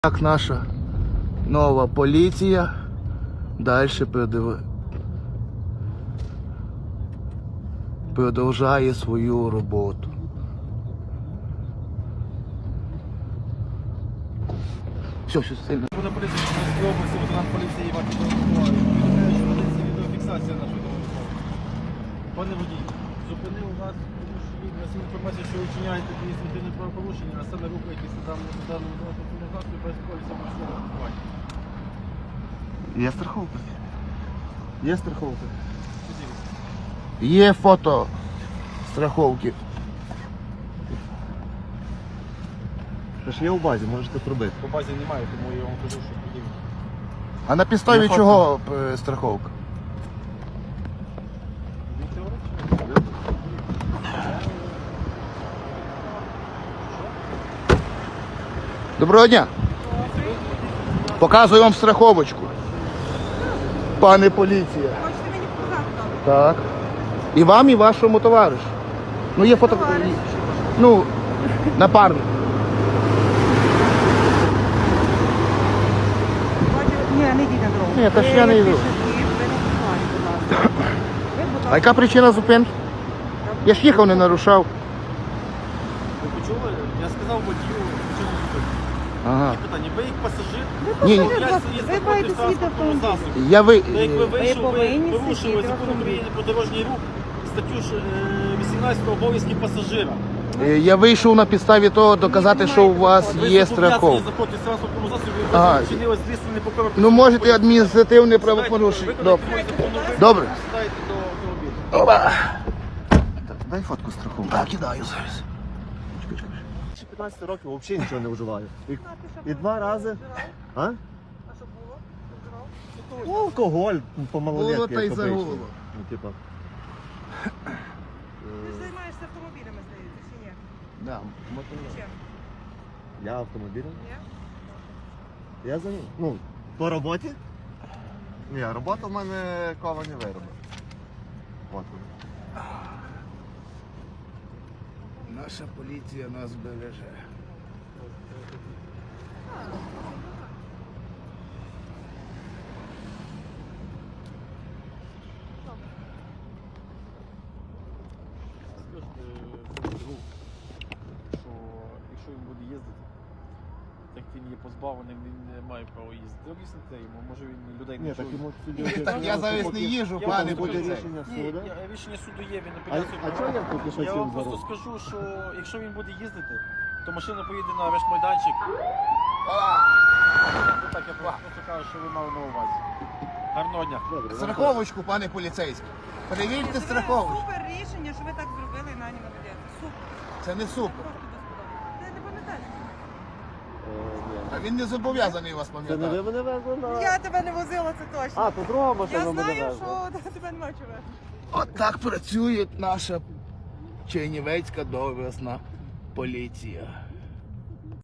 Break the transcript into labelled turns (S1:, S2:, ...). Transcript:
S1: Так наша нова поліція далі продовжує свою роботу. Все сильно.
S2: Буде поліція Чернівецької області, лейтенант поліції Іван Миколаїв. Повідомляю, що ведеться відеофіксація нашої допомоги. Пане водій, зупинив вас, тому що є на інформація, що ви вчиняєте адміністративне правопорушення, а саме рухаєтесь на даному транспортному засобі без поліса маршрутного страхування.
S1: Є страховка? Є страховка.
S2: Що дивіться?
S1: Є фото страховки.
S3: Це ж є у базі, можете пробити.
S2: По базі немає, тому я вам кажу, що подивіться.
S1: А на підставі
S3: Є
S1: чого страховка?
S2: Він теоретично?
S1: Доброго дня. Показую вам страховочку. Пане поліція.
S4: Хочете мені показати?
S1: Так. І вам, і вашому товаришу. Ну, є фото.
S4: Товариш.
S1: Ну, напарник.
S4: Ні, не йдіть на дорогу.
S1: Ні, та ж я не йду.
S4: Ви не пускаєте, будь ласка. Ви, будь
S1: А
S4: ласка,
S1: яка причина зупинки? Я ж їхав, не нарушав.
S2: Ви почули? Я сказав водію, що не зупинити.
S1: Ага.
S2: Питання, ви як пасажир?
S1: Ні, ні.
S4: ви маєте світ автомобіль.
S1: Я ви...
S2: Та як ви вийшов, ви
S4: повинні
S2: порушили
S4: сидіти в
S2: закон
S4: автомобілі.
S2: України про дорожній рух, статтю 18 обов'язки пасажира.
S1: Я вийшов на підставі того доказати, що у вас
S2: Ви
S1: є
S2: зобов'язані
S1: страховка.
S2: заходити в транспортному засобі,
S1: Ага.
S2: ви вчинили злісне непокоре.
S1: Ну, можете адміністративне правопорушення. Добре. Добре.
S2: Сідайте до автомобіля.
S1: Опа.
S3: Дай фотку страховки.
S1: Так, кидаю зараз.
S3: 15 років взагалі нічого не вживаю. І 2 рази. А?
S4: А що було? Вживав?
S3: Ну, алкоголь по малолетки.
S1: Було та й
S3: як обично.
S1: загуло.
S3: Ну, типа.
S4: Ти ж займаєшся автомобілями, здається, чи ні?
S1: Да.
S4: Чим?
S3: Я автомобілем.
S4: Ні?
S3: Я за ним. Ну, по роботі? Ні, робота в мене ковані вироби. От.
S1: Наша поліція нас береже.
S2: Скажете другу, що якщо він буде їздити, так він є позбавлений, він не має права їздити. Об'ясните йому, може він людей не
S3: Ні, так
S2: чує.
S3: йому судді.
S1: Так я зараз не їжджу,
S2: Я
S1: пане
S2: вам
S3: буде
S1: поліцей.
S3: рішення
S2: Ні,
S3: суду.
S2: рішення суду є, він
S3: А
S2: апеляцію
S3: чого
S2: подав.
S3: я поки що
S2: Я
S3: цим
S2: вам просто
S3: зараз?
S2: скажу, що якщо він буде їздити, то машина поїде на арешт-майданчик. Так, я просто кажу, що ви мали на увазі. Гарного дня.
S3: Добре,
S1: Страховочку, пане поліцейський. Перевірте
S4: Це
S1: страховочку.
S4: супер рішення, що ви так зробили і нані молодець. Супер.
S1: Це не супер.
S4: Просто безподобно. Ти не пам'ятаєш?
S3: ні.
S1: А він не зобов'язаний вас
S3: Це не
S1: пам'ятати.
S3: ви мене везли на...
S4: Я тебе не возила, це точно.
S3: А, то друга машина
S4: Я
S3: мене
S4: знаю,
S3: везла.
S4: що тебе немає чого.
S1: От так працює наша Чернівецька доблесна поліція.